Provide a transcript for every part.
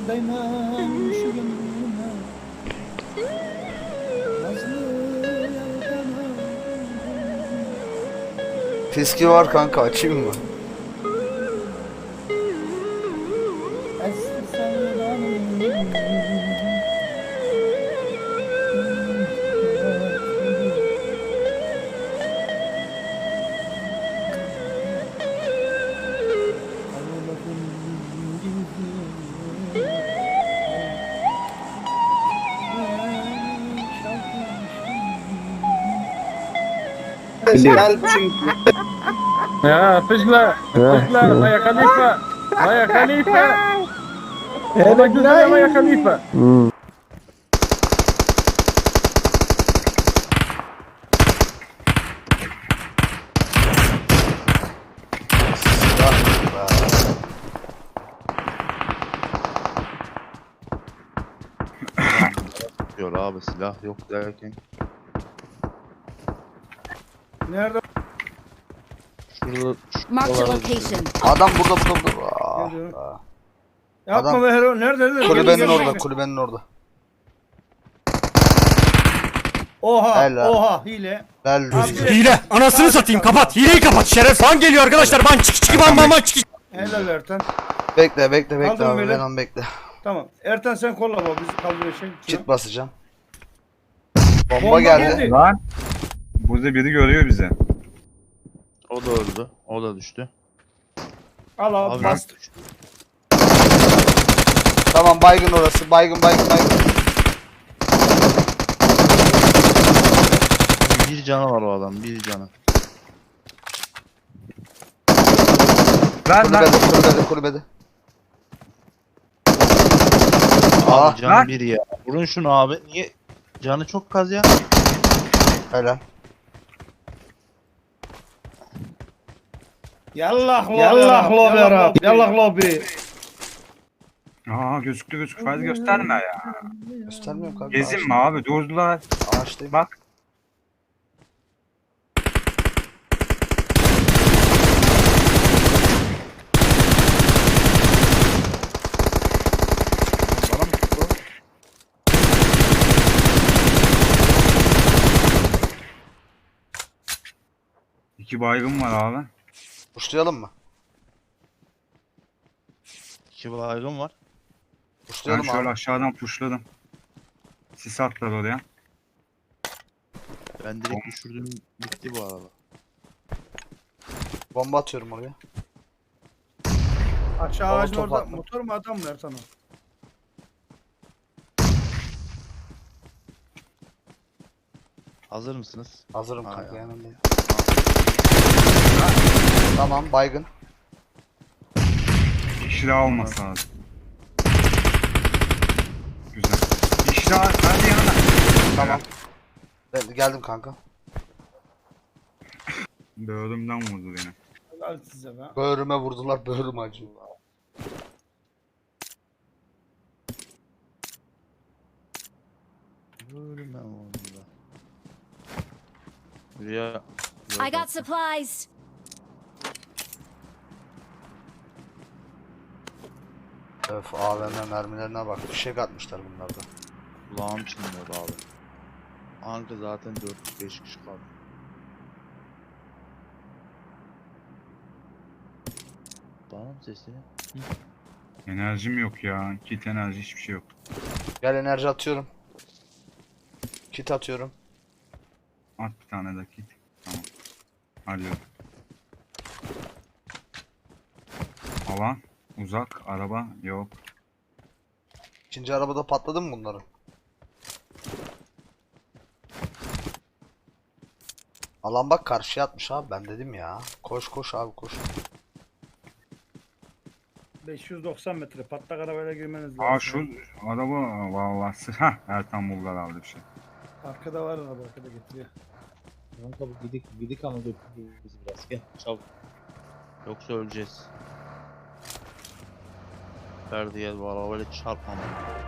Daymam şu gönlüme nazlı yaldana. Fiski var kanka, açayım mı? Eski sevdanım. Ben çünkü Ya fışla, fışla, Maya Khalifa, Maya Khalifa. Ona güzel Maya Khalifa. Diyor abi, silah yok derken. Nerede? Şurada Marked a şuralarda location. Adam burada. Aa, Geliyor. aa. Yapma Adam- be Hero. Nerede? Kulübenin Gel, orada, gel. kulübenin orada. Oha, Helal. oha hile. Gel Abi, Rüzgar. Hile. Anasını satayım. Kapat. Hileyi kapat. Şeref fan geliyor arkadaşlar. Ban çık çık ban ban ban çık. Helal Ertan. Bekle Kaldım abi, böyle. Venom bekle. Tamam. Ertan sen kolla bak bizi kaldırıyor şey. Kit basacağım. Bomba Bomba geldi. geldi. Lan. Burada biri görüyor bizi. O da öldü. O da düştü. Al abi Abi bastı. Tamam, baygın orası. Baygın. Bir canı var o adam. Bir canı. Kulübede. Abi Aa, canı lan. bir ya. Vurun şunu abi. Niye? Canı çok kaz ya. helal. Yallah lobi. Yallah lobi Arap. Yallah lobi. Aa gözüktü. Fazla gösterme ya. Göstermiyorum kanka. Gezin mi abi? Durdular. Ağaçtayım. Bak. Bana mı tuttu? İki baygın var abi. Uçlayalım mı? İki baygın var. Ben Uçlayalım şöyle abi. aşağıdan pushladım. Sis atlar oraya. Ben direkt düşürdüm. Bitti bu arada. Bomba atıyorum oraya. Aşağı Baba ağacın top orada. attı. Motor mu adam mı Ertan o? Hazır mısınız? Hazırım Ha, kanka, ya. yanındayım. Tamam, baygın. Bir kişi daha olması lazım. Güzel. Bir kişi daha. Ben de yanına. Tamam. Ben geldim kanka. Böğrümden vurdu beni. Helal size be. Böğrüme vurdular, böğrüm acıyor. Böyle ben oldum da. Rüya. I got supplies. Öf, AVM mermilerine bak. Fişek atmışlar bunlarda. Kulağım çınlıyordu abi. Anka zaten 4-5 kişi kaldı. Bana mı sesini? Enerjim yok ya. Kit enerji hiçbir şey yok. Gel, enerji atıyorum. Kit atıyorum. At bir tane de kit. Tamam. Hallediyorum. Alan. Uzak. Araba. Yok. İkinci arabada patladı mı bunların? Alan bak karşıya atmış abi, ben dedim ya. Koş abi, koş. 590 metre patlak arabayla girmeniz lazım. Aa şu araba vallahi. Hah Ertan Bulgar aldı bir şey. Arkada var araba, arkada getiriyor. Kanka bu gidik ama götürdü bizi biraz. Gel çabuk. Yoksa öleceğiz. Ferdi gel bu arabayla çarpmama.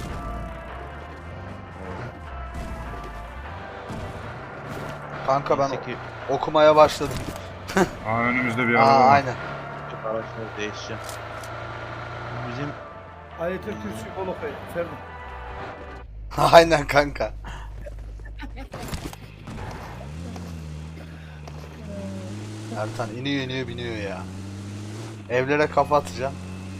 Kanka ben Neyse ki okumaya başladım. Aa önümüzde bir Aa, araba var. aynen. araçları değişeceğim. Bu bizim Ayet-i Kürsü Bolokay. Ferdi. Aynen kanka. Ertan iniyor biniyor ya. Evlere kafa atacağım.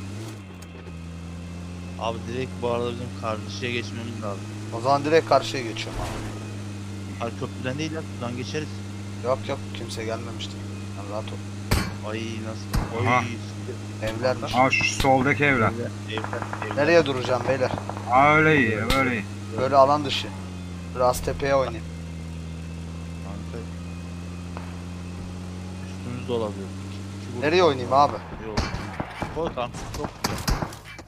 Abi direkt bu arada bizim karşıya geçmemiz lazım. O zaman direkt karşıya geçiyorum abi. Hayır köprüden değil ya, buradan geçeriz. Yok kimse gelmemiştir. Sen rahat ol. Ay nasıl? Aha. Oy. Evlermiş. Aa şu soldaki evler. Evler. Nereye duracağım beyler? Aa öyle iyi öyle iyi. Böyle alan dışı. Biraz tepeye oynayayım. Kanka. Üstümüzde olabilir. İki grup Nereye oynayayım abi? Yok. Koy kanka, çok güzel.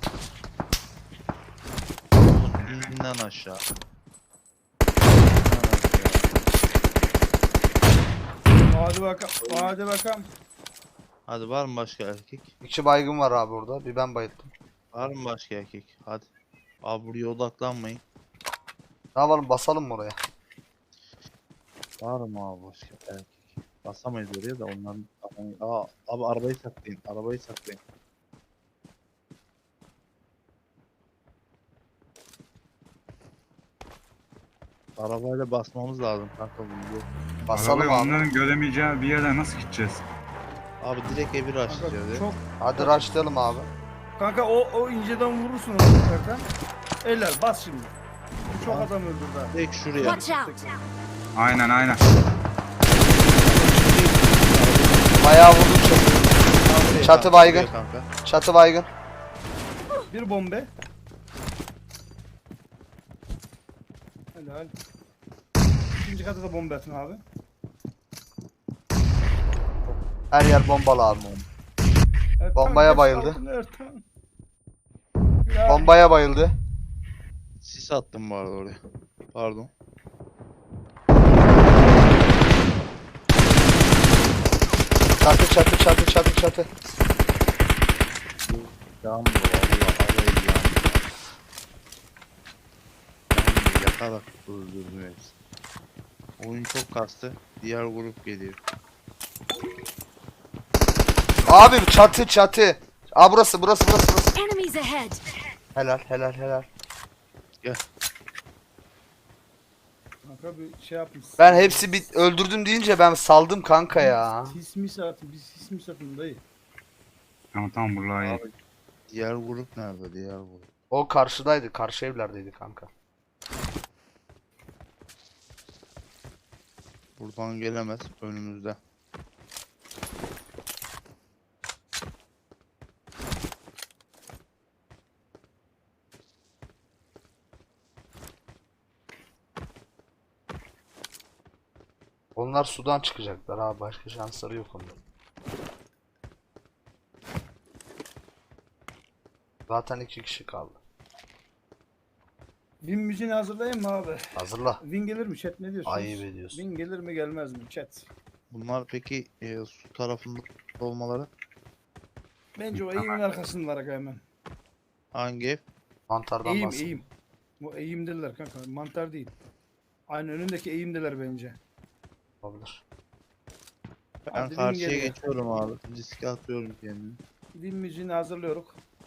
Oğlum inden aşağı. Hadi bakalım. Hadi bakalım. Hadi var mı başka erkek? 2 baygın var abi orada. Bir ben bayıldım. Var mı başka erkek? Hadi. Abi buraya odaklanmayın. Ne yapalım basalım mı oraya? Var mı abi başka erkek? Basamayız oraya da onların... Aa, abi arabayı saklayın. Arabayı saklayın. Arabayla basmamız lazım kanka bunu. Yok. Basalım Arabayı abi. onların göremeyeceği bir yere nasıl gideceğiz? Abi direkt evi Kanka açacağız ya. çok. Hadi rushlayalım abi. Kanka o inceden vurursun onu Ertan. Eller bas şimdi. Çok adam öldürdü ha. Direkt şuraya. Watch out! Aynen. Bayağı vurdum çatı. Çatı baygın. Kanka. Çatı baygın. Bir bombe. Helal. İkinci kata da bomba atın abi. Her yer bombalı abi. Ertan, Bombaya geç bayıldı. kaldın Ertan. Ya, Bombaya bayıldı. Sis attım bu arada oraya. Pardon. Çatı. Yandı valla arayı yandı. Yandı yakarak öldürdüm hepsi. Oyun çok kastı. Diğer grup geliyor. Abi çatı. Aa burası. Enemies ahead! Helal. Kanka bir şey yapmışsın. Ben hepsi öldürdüm deyince ben saldım kanka ya. Sis mi satın? Biz sis mi satın dayı? Tamam buralar iyi. Abi, diğer grup nerede? Diğer grup. O karşıdaydı. Karşı evlerdeydi kanka. Buradan gelemez. Önümüzde. Onlar sudan çıkacaklar abi. Başka şansları yok onların. Zaten 2 kişi kaldı. Win müziğini hazırlayayım mı abi? Hazırla. Win gelir mi chat, ne diyorsunuz? Ayıp ediyorsun. Win gelir mi gelmez mi chat? Bunlar peki su tarafında olmaları Bence o eğimin arkasındalar hemen. hangi ev? Mantardan Eğim bahsediyor. eğim. Bu eğimdeler kanka, mantar değil. Aynı önündeki eğimdeler bence. Olabilir. Ben Hadi karşıya geliyor. geçiyorum abi. Riske atıyorum kendimi. Win müziğini hazırlıyoruz.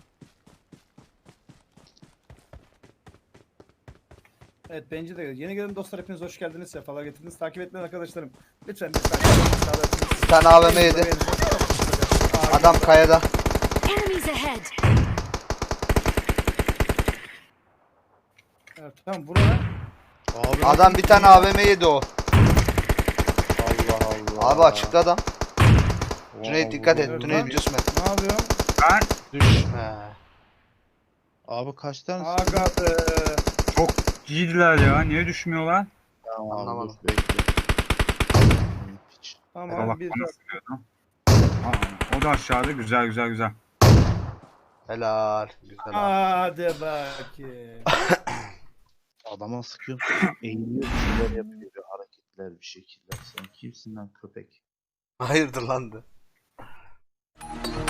Evet bence de yeni gelen dostlar hepiniz hoş geldiniz. Sefalar getirdiniz. Takip etmeyen arkadaşlarım. Lütfen bir takip Bir tane AVM yedi. Adam kayada. Enemies ahead! Evet, tamam burada. Abi, Adam bir tane AVM yedi o. Allah Allah. Abi açıkta adam. Wow, Cüneyt dikkat et. Evet, Cüneyt lan. düşme. Ne yapıyorsun? Ben Düşme. Abi kaç tane? Aga be. çok iyiydiler ya. Niye düşmüyorlar? Tamam abi, Anlamadım. dur, bekle. Hiç. Tamam Bak bir bana sıkıyordu. Aa, o da aşağıda güzel. Helal. Güzel abi. Hadi bakayım. Adama sıkıyorsun. Eğiliyor bir şeyler yapıyor. Hareketler bir şekiller. Sen kimsin lan köpek? Hayırdır lan de.